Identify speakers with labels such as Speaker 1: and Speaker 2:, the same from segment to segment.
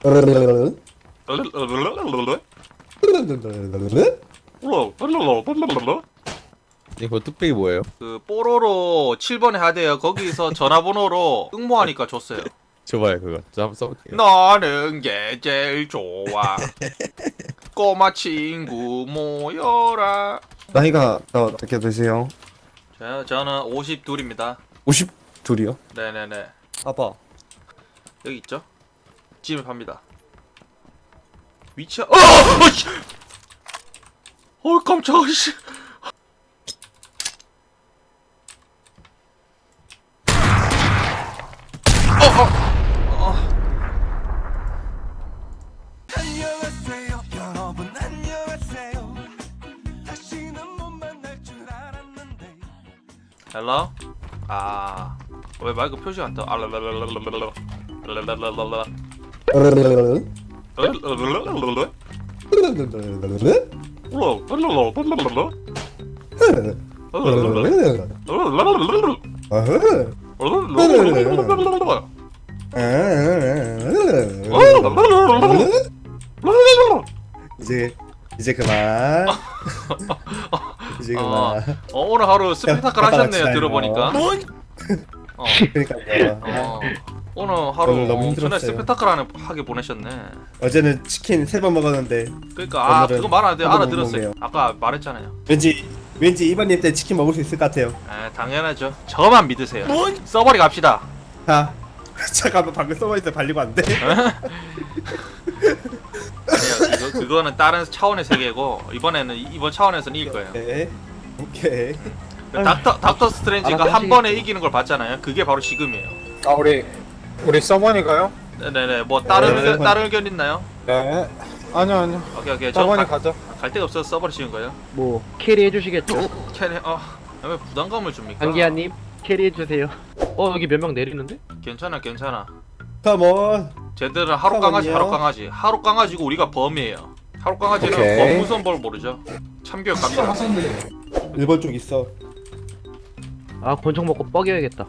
Speaker 1: 이거 뚝배기 뭐예요?
Speaker 2: 그 뽀로로 7번에 하대요. 거기서 전화번호로 응모하니까 줬어요.
Speaker 1: 줘봐요 그거. 저 한번 써볼게요.
Speaker 2: 너는 게 제일 좋아. 꼬마 친구 모여라.
Speaker 3: 나이가 어떻게 되세요?
Speaker 2: 저는 52입니다.
Speaker 3: 52이요?
Speaker 2: 네네네.
Speaker 3: 아빠.
Speaker 2: 여기 있죠? 집에 팝니다. 위치야. 씨! 깜짝아 씨.
Speaker 4: 안녕하세요 여러분 안녕하세요 다시는 못 만날 줄 알았는데
Speaker 2: 헬로? 왜 마이크 표시가 안 떠?
Speaker 3: 이제 그만. 이제 그만.
Speaker 2: 오늘 하루 스펙타클 하셨네요. 들어보니까.
Speaker 3: 그러니까요.
Speaker 2: 오늘 하루
Speaker 3: 오늘 너무
Speaker 2: 엄청나게
Speaker 3: 힘들었어요.
Speaker 2: 스펙타클 하게 보내셨네.
Speaker 3: 어제는 치킨 3번 먹었는데
Speaker 2: 그러니까
Speaker 3: 오늘은
Speaker 2: 그거 말 안 돼.
Speaker 3: 한번
Speaker 2: 알아들었어요.
Speaker 3: 먹네요.
Speaker 2: 아까 말했잖아요.
Speaker 3: 왠지 이번님 때 치킨 먹을 수 있을 것 같아요.
Speaker 2: 당연하죠. 저만 믿으세요. 써버리 갑시다.
Speaker 3: 자, 잠깐만 방금 서버에서 발리고 왔는데.
Speaker 2: 아니요, 그거는 다른 차원의 세계고 이번 차원에서는 이길 거예요.
Speaker 3: 네. 오케이.
Speaker 2: 닥터 스트레인지가 한 번에 이기는 걸 봤잖아요. 그게 바로 지금이에요.
Speaker 5: 아 우리 서버니까요?
Speaker 2: 네네네. 뭐
Speaker 3: 네.
Speaker 2: 다른 의견 있나요?
Speaker 5: 네. 아니요.
Speaker 2: 오케이.
Speaker 5: 서버니 가죠.
Speaker 2: 갈 데가 없어서 서버를 지은 거예요.
Speaker 6: 뭐 캐리 해주시겠죠?
Speaker 2: 캐리 왜 부담감을 줍니까?
Speaker 6: 안기아님 캐리 해주세요. 여기 몇 명 내리는데?
Speaker 2: 괜찮아.
Speaker 3: 컴온.
Speaker 2: 쟤들은 하루 강아지
Speaker 3: 잠깐만요.
Speaker 2: 하루 강아지고 우리가 범이에요. 하루 강아지는
Speaker 5: 오케이.
Speaker 2: 범무선 벌 모르죠. 참교육 갑니다.
Speaker 3: 1번 쪽 있어.
Speaker 6: 권총 먹고 뻐겨야겠다.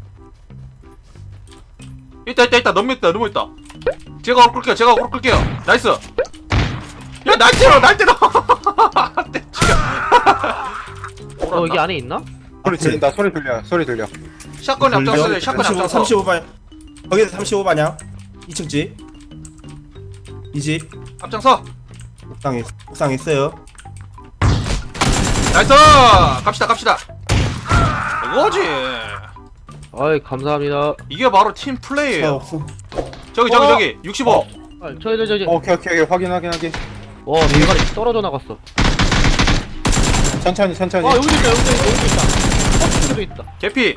Speaker 2: 있다. 너무 있다. 제가 오를 끌게요. 나이스. 야, 날 때려.
Speaker 6: 여기 안에 있나?
Speaker 5: 소리 들린다. 소리 들려.
Speaker 2: 샷건이 앞장서요. 샷건이 앞장서.
Speaker 3: 35반. 거기서 35반이야. 2층 집. 이 집.
Speaker 2: 앞장서.
Speaker 3: 옥상에 있어요.
Speaker 2: 나이스. 갑시다. 이거지.
Speaker 6: 감사합니다.
Speaker 2: 이게 바로 팀 플레이예요.
Speaker 3: 없어.
Speaker 2: 저기 65.
Speaker 6: 저기.
Speaker 5: 오케이 확인.
Speaker 6: 와 대가리 떨어져 나갔어.
Speaker 5: 천천히.
Speaker 6: 여기도 있다. 여기도 있다.
Speaker 2: 개피.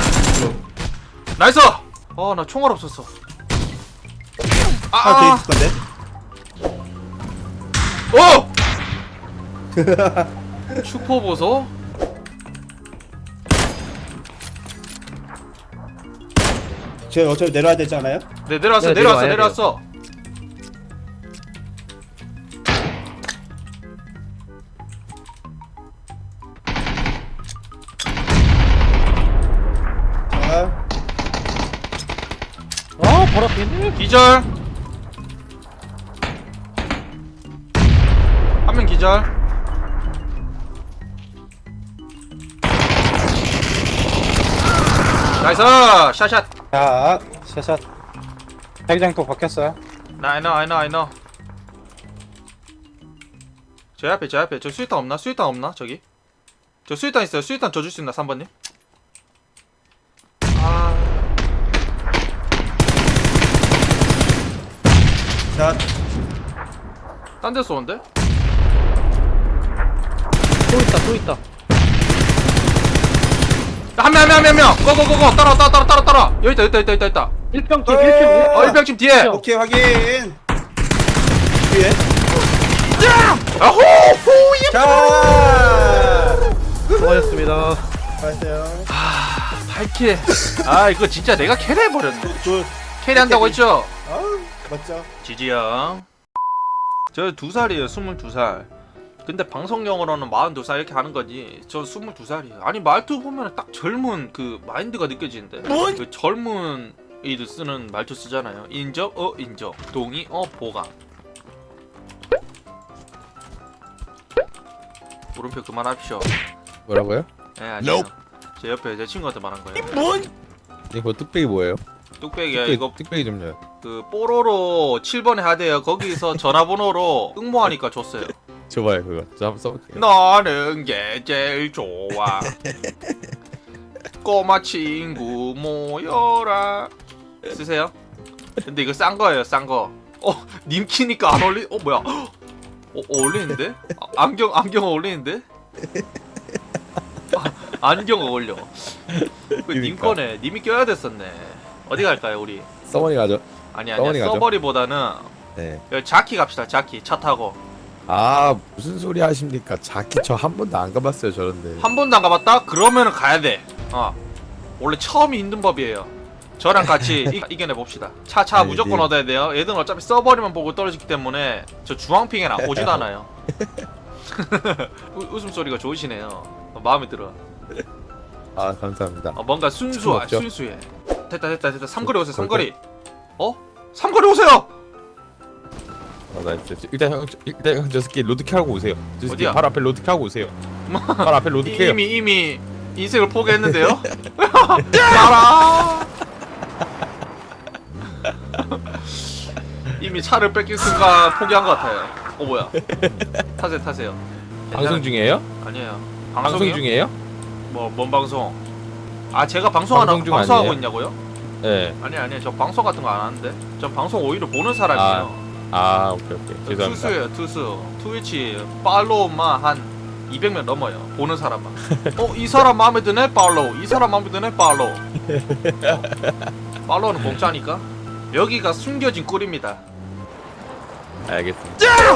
Speaker 2: 나이스. 나 총알 없었어.
Speaker 3: 하나 더 있을 건데.
Speaker 2: 슈퍼 보소.
Speaker 3: 저희 어차피 내려야 되지 않아요?
Speaker 2: 네, 내려왔어.
Speaker 3: 자,
Speaker 6: 바로 앞에 있네.
Speaker 2: 기절. 한 명 기절. 나이스. 샷.
Speaker 5: 자 샷. 자기장도 바뀌었어요.
Speaker 2: I know. 제 앞에 저 수류탄 없나? 저기 저 수류탄 있어요. 수류탄 줘 줄 수 있나 3번님?
Speaker 3: 자,
Speaker 2: 딴 데 쏘는데?
Speaker 6: 또 있다.
Speaker 2: 한 명. 고고고고. 따라. 여기 있다.
Speaker 6: 1평 뒤에 1평.
Speaker 2: 1병집 뒤에.
Speaker 3: 오케이 확인. 뒤에.
Speaker 2: 아호!
Speaker 3: 자,
Speaker 6: 수고하셨습니다.
Speaker 3: 알았어요.
Speaker 2: 8킬. 이거 진짜 내가 캐리해버렸네. 캐리한다고 했죠?
Speaker 3: 아우, 맞죠?
Speaker 2: 지지형. 저 2살이에요. 22살. 근데 방송용으로는 42살 이렇게 하는 거지. 저 22살이에요. 아니 말투 보면 딱 젊은 그 마인드가 느껴지는데. 그 젊은 이들 쓰는 말투 쓰잖아요. 인정? 인정. 동의? 보강. 물음표 그만합시오.
Speaker 1: 뭐라고요?
Speaker 2: 네, 아니에요. 제 옆에 제 친구한테 말한 거예요.
Speaker 1: 이거 뚝배기 뭐예요?
Speaker 2: 뚝배기야 이거
Speaker 1: 뚝배기 좀요.
Speaker 2: 그 뽀로로 7번에 하대요. 거기서 전화번호로 응모하니까 줬어요.
Speaker 1: 줘봐요 그거. 저 한번 써볼게요.
Speaker 2: 너는 게 제일 좋아. 꼬마 친구 모여라. 쓰세요. 근데 이거 싼 거예요, 싼 거. 님 키니까 안 어울리? 뭐야? 어울리는데? 안경 어울리는데? 안경 어울려. 님
Speaker 1: 그러니까.
Speaker 2: 거네. 님이 껴야 됐었네. 어디 갈까요, 우리?
Speaker 1: 써머니 가죠.
Speaker 2: 아니야,
Speaker 1: 서버리 가죠?
Speaker 2: 서버리보다는
Speaker 1: 네.
Speaker 2: 여기 자키 갑시다. 자키 차 타고.
Speaker 1: 아 무슨 소리 하십니까? 자키 저 한 번도 안 가봤어요 저런데.
Speaker 2: 한 번도 안 가봤다? 그러면은 가야 돼. 원래 처음이 힘든 법이에요. 저랑 같이 이겨내 봅시다. 차
Speaker 1: 네,
Speaker 2: 무조건
Speaker 1: 네.
Speaker 2: 얻어야 돼요. 얘들은 어차피 서버리만 보고 떨어지기 때문에 저 주황핑에는 오지도 않아요. 웃음소리가 좋으시네요. 마음에 들어.
Speaker 1: 아 감사합니다.
Speaker 2: 뭔가
Speaker 1: 없죠?
Speaker 2: 순수해. 됐다. 삼거리 오세요. 삼거리. 삼거리 오세요.
Speaker 1: 나 일단 형 저 새끼 로드키 하고 오세요. 저 새끼
Speaker 2: 어디야?
Speaker 1: 바로 앞에 로드키 하고 오세요. 바로 앞에 로드키요.
Speaker 2: 이미 인생을 포기했는데요. 따라. 이미 차를 뺏길 순간 포기한 것 같아요. 뭐야? 타세요.
Speaker 1: 방송 중이에요?
Speaker 2: 아니에요.
Speaker 1: 방송
Speaker 2: 방송이요?
Speaker 1: 중이에요?
Speaker 2: 뭔 방송? 제가 방송하고
Speaker 1: 아니에요?
Speaker 2: 있냐고요?
Speaker 1: 네.
Speaker 2: 아니요. 저 방송 같은 거 안 하는데. 저 방송 오히려 보는 사람이에요.
Speaker 1: 오케이 죄송합니다.
Speaker 2: 투수예요, 투수. 트위치 팔로우만 한 200명 넘어요. 보는 사람만. 이 사람 마음에 드네? 팔로우. 이 사람 마음에 드네? 팔로우. 팔로우는 공짜니까. 여기가 숨겨진 꿀입니다.
Speaker 1: 알겠습니다.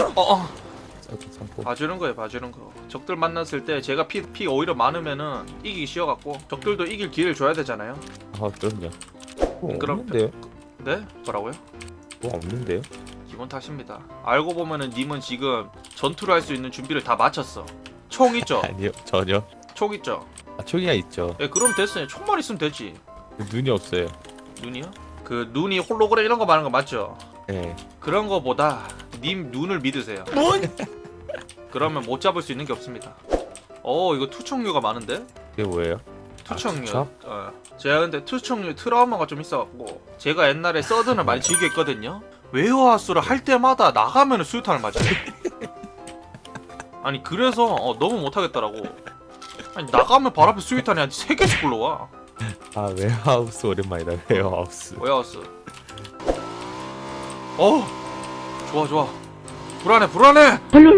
Speaker 1: 참고.
Speaker 2: 봐주는 거. 적들 만났을 때 제가 피 오히려 많으면은 이기기 쉬워갖고 적들도 이길 기회를 줘야 되잖아요.
Speaker 1: 그럼요. 뭐
Speaker 2: 그럼-
Speaker 1: 없는데요?
Speaker 2: 네? 뭐라고요?
Speaker 1: 뭐 없는데요?
Speaker 2: 기본 탓입니다. 알고 보면은 님은 지금 전투를 할 수 있는 준비를 다 마쳤어. 총 있죠?
Speaker 1: 아니요 전혀.
Speaker 2: 총 있죠?
Speaker 1: 초기가 있죠.
Speaker 2: 예, 그럼 됐어요. 총만 있으면 되지.
Speaker 1: 눈이 없어요.
Speaker 2: 눈이요? 그 눈이 홀로그램 이런 거 말하는 거 맞죠?
Speaker 1: 네.
Speaker 2: 그런 거보다 님 눈을 믿으세요. 그러면 못 잡을 수 있는 게 없습니다. 이거 투척류가 많은데?
Speaker 1: 이게 뭐예요?
Speaker 2: 투척류.
Speaker 1: 투척?
Speaker 2: 제가 근데 투척류 트라우마가 좀 있어갖고 제가 옛날에 서든을 많이 즐겼거든요. 웨어하우스를 할 때마다 나가면 수류탄을 맞아요. 아니 그래서 너무 못하겠더라고. 아니 나가면 바로 앞에 수류탄이 한 3개씩 굴러와.
Speaker 1: 웨어하우스 오랜만이다. 웨어하우스.
Speaker 2: 웨어하우스. 좋아. 불안해.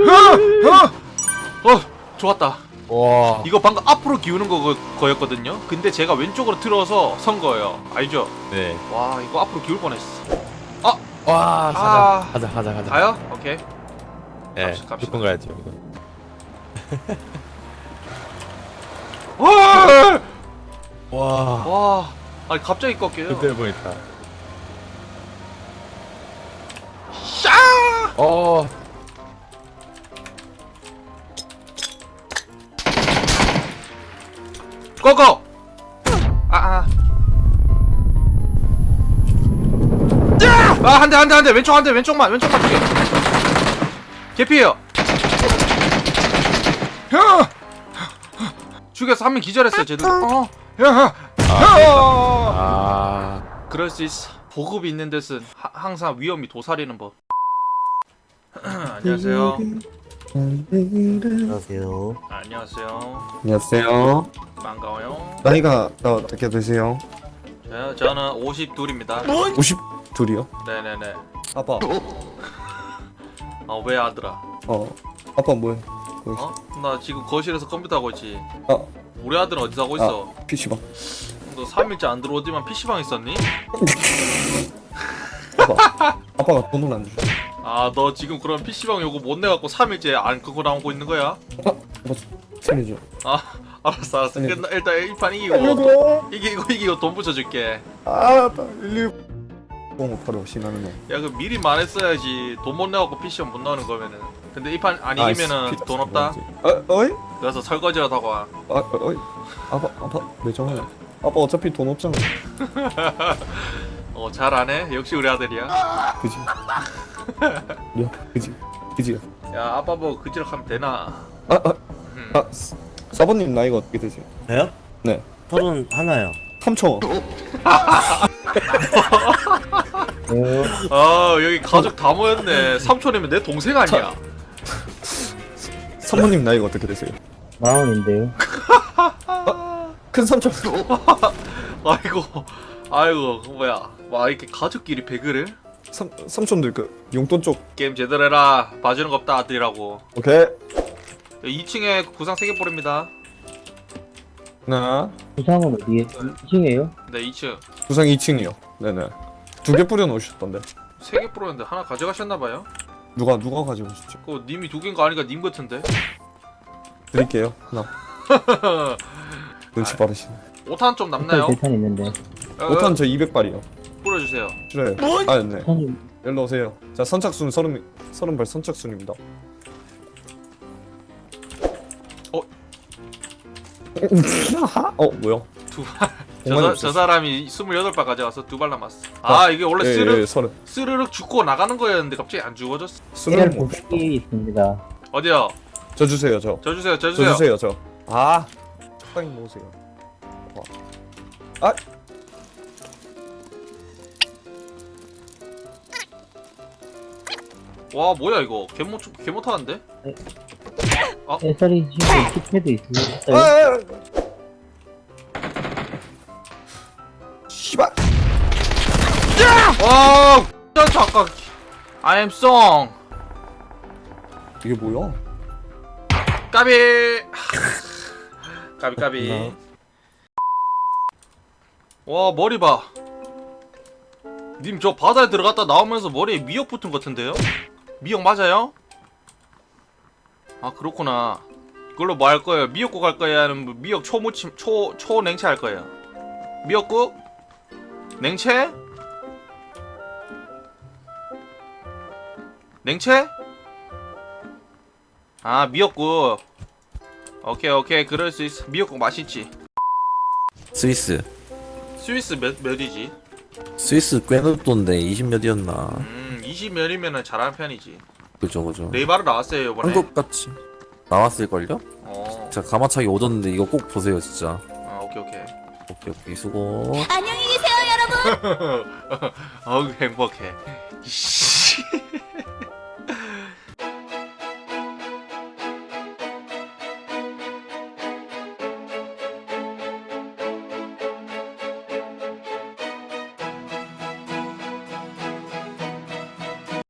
Speaker 2: 좋았다.
Speaker 1: 와.
Speaker 2: 이거 방금 앞으로 기우는 거였거든요. 근데 제가 왼쪽으로 틀어서 선 거예요. 알죠?
Speaker 1: 네.
Speaker 2: 와 이거 앞으로 기울 뻔했어.
Speaker 1: 와. 가자.
Speaker 2: 가요? 오케이.
Speaker 1: 네.
Speaker 2: 갑시다.
Speaker 1: 무조건 가야죠. 이거. 와.
Speaker 2: 아니 갑자기 꺾여요.
Speaker 1: 그때 보니까.
Speaker 2: 샤! 고고! 한 대 왼쪽만 죽여. 개피해요. 죽여서 한 명 기절했어요 쟤들. 그럴 수 있어. 보급이 있는 데는 항상 위험이 도사리는 법. 안녕하세요.
Speaker 7: 안녕하세요.
Speaker 2: 안녕하세요.
Speaker 3: 안녕하세요.
Speaker 2: 반가워요.
Speaker 3: 나이가 어떻게 되세요?
Speaker 2: 저는 52입니다.
Speaker 3: 52이요?
Speaker 2: 네네네.
Speaker 3: 아빠.
Speaker 2: 왜 아들아?
Speaker 3: 아빠 뭐해?
Speaker 2: 나 지금 거실에서 컴퓨터 하고 있지. 우리 아들은 어디서 하고 있어?
Speaker 3: PC방.
Speaker 2: 너 3일째 안 들어오지만 PC방 있었니?
Speaker 3: 아빠가 돈을 안 주죠.
Speaker 2: 너 지금 그럼 PC방 요거 못 내갖고 3일째 안 끄고 나오고 있는 거야?
Speaker 3: 아빠 생일이죠.
Speaker 2: 알았어.
Speaker 3: 네.
Speaker 2: 일단 1판 이기고 돈 붙여줄게.
Speaker 3: 빨리. 뽕 바로 신나는 거.
Speaker 2: 야, 그 미리 말했어야지. 돈 못 내갖고 PC방 못 나오는 거면은. 근데 이 판 안 이기면은 돈 없다.
Speaker 3: 어이?
Speaker 2: 그래서 설거지라도 하고 와.
Speaker 3: 어이? 아빠 왜 정해? 아빠 어차피 돈 없잖아.
Speaker 2: 잘하네. 역시 우리 아들이야.
Speaker 3: 그지? 야, 그지? 그지?
Speaker 2: 야 아빠 뭐 그지락 하면 되나?
Speaker 3: 사모님 나이가 어떻게 되세요?
Speaker 7: 저요?
Speaker 3: 네.
Speaker 7: 31요.
Speaker 3: 삼촌.
Speaker 2: 여기 가족 다 모였네. 삼촌이면 내 동생 아니야?
Speaker 3: 사모님 나이가 어떻게 되세요?
Speaker 7: 40인데요.
Speaker 3: 큰 삼촌.
Speaker 2: 아이고 뭐야? 와 이렇게 가족끼리 배그를?
Speaker 3: 삼촌들 그 용돈 쪽.
Speaker 2: 게임 제대로 해라. 봐주는 거 없다 아들이라고.
Speaker 3: 오케이.
Speaker 2: 2층에 구상 3개 뿌립니다.
Speaker 3: 하나.
Speaker 7: 부상은 어디에? 2층이에요?
Speaker 2: 네 2층
Speaker 3: 구상 2층이요. 네네. 2개 뿌려 놓으셨던데.
Speaker 2: 3개 뿌렸는데 하나 가져가셨나봐요.
Speaker 3: 누가 가지고 오셨죠?
Speaker 2: 그거 님이 2개인 거 아니까 님 같은데?
Speaker 3: 드릴게요. 하나. 눈치 빠르시네.
Speaker 2: 5탄 좀 남나요?
Speaker 7: 대탄 있는데.
Speaker 3: 5탄 저 200발이요.
Speaker 2: 뿌려주세요.
Speaker 3: 싫어요. 아, 네.
Speaker 7: 탄이
Speaker 3: 일로 오세요. 자, 선착순 30발 선착순입니다. 뭐야?
Speaker 2: 저 사람이 28발 가져가서 2발 남았어. 아 이게 원래
Speaker 3: 예, 서른.
Speaker 2: 스르륵 죽고 나가는 거였는데 갑자기 안 죽어졌어.
Speaker 7: AR
Speaker 3: 스물.
Speaker 7: 보급기 있습니다.
Speaker 2: 어디요?
Speaker 3: 저 주세요, 저.
Speaker 2: 저 주세요.
Speaker 3: 저 주세요, 저. 아, 적당히 놓으세요.
Speaker 2: 와 뭐야 이거 개못 타는데?
Speaker 7: SR이 지금 키패드 있어요.
Speaker 3: 씨발.
Speaker 2: 와 진짜 아까 I am song
Speaker 3: 이게 뭐야?
Speaker 2: 까비 까비 와 머리 봐. 님 저 바다에 들어갔다 나오면서 머리에 미역 붙은 것 같은데요? 미역 맞아요? 아 그렇구나. 그걸로 뭐 할 거예요? 미역국 할 거예요? 아니면 미역 초무침 초냉채 할 거예요? 미역국? 냉채? 냉채? 아 미역국. 오케이 그럴 수 있어. 미역국 맛있지.
Speaker 8: 스위스
Speaker 2: 스위스 몇이지?
Speaker 8: 스위스 꽤 높던데 20몇이었나
Speaker 2: 20몇이면은 잘하는 편이지.
Speaker 8: 그죠
Speaker 2: 네이바로 나왔어요 이번에.
Speaker 8: 한국같이 나왔을걸요?
Speaker 2: 어.
Speaker 8: 자 가마차기 오졌는데 이거 꼭 보세요 진짜.
Speaker 2: 아 오케이
Speaker 8: 수고.
Speaker 9: 안녕히 계세요, 여러분.
Speaker 2: 어우 행복해. 이씨.